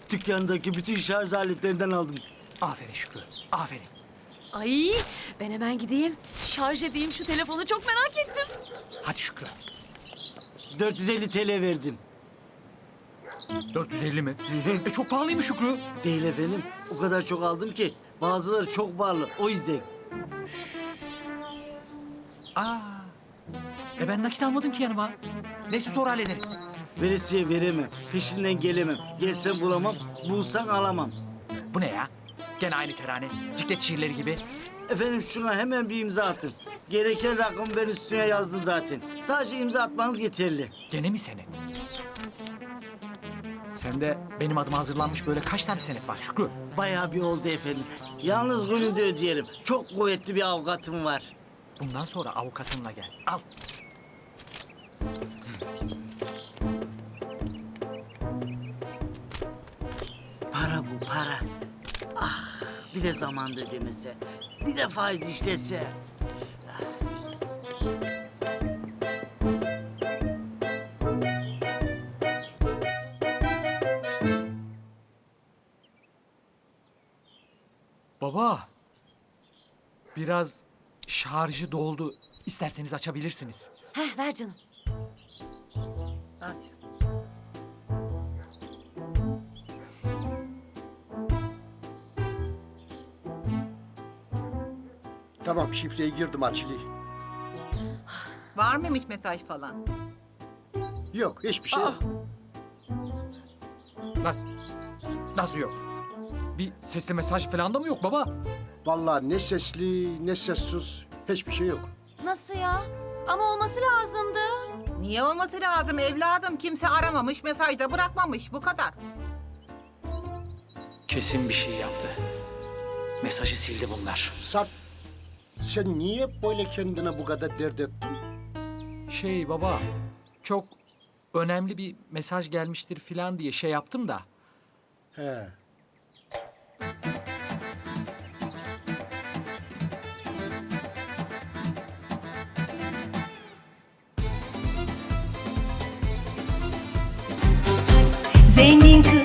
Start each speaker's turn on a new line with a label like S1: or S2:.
S1: Dükkandaki bütün şarj aletlerinden aldım.
S2: Aferin Şükrü, aferin.
S3: Ay ben hemen gideyim. Şarj edeyim şu telefonu, çok merak ettim.
S2: Hadi Şükrü.
S1: 450 TL verdim.
S2: 450 mi? Çok pahalıymış Şükrü.
S1: Değil efendim. O kadar çok aldım ki bazıları çok pahalı. O yüzden.
S2: Aa. Ben nakit almadım ki yanıma. Neyse sonra hallederiz.
S1: Veresiye veremem. Peşinden gelemem. Gelsem bulamam. Bulsan alamam.
S2: Bu ne ya? Gene aynı terane. Ciklet şiirleri gibi.
S1: Efendim şuna hemen bir imza atın. Gereken rakamı ben üstüne yazdım zaten. Sadece imza atmanız yeterli.
S2: Gene mi senet? Sende benim adıma hazırlanmış böyle kaç tane senet var Şükrü?
S1: Bayağı bir oldu efendim. Yalnız gününde ödeyelim. Çok kuvvetli bir avukatım var.
S2: Bundan sonra avukatınla gel. Al.
S1: Para bu para. Ah bir de zamanda ödemese. Bir de faiz işlese.
S2: Baba. Biraz şarjı doldu. İsterseniz açabilirsiniz.
S3: Heh ver canım.
S4: Hadi.
S5: Tamam şifreyi girdim Açili.
S4: Var mıymış mesaj falan?
S5: Yok hiçbir şey yok.
S2: Nasıl yok? Bir sesli mesaj falan da mı yok baba?
S5: Vallahi ne sesli ne sessiz hiçbir şey yok.
S3: Nasıl ya? Ama olması lazımdı.
S4: Niye olması lazım evladım? Kimse aramamış, mesaj da bırakmamış. Bu kadar.
S2: Kesin bir şey yaptı. Mesajı sildi bunlar.
S5: Sen niye böyle kendine bu kadar dert ettin?
S2: Baba, çok önemli bir mesaj gelmiştir falan diye şey yaptım da.
S5: He.
S6: Zengin kız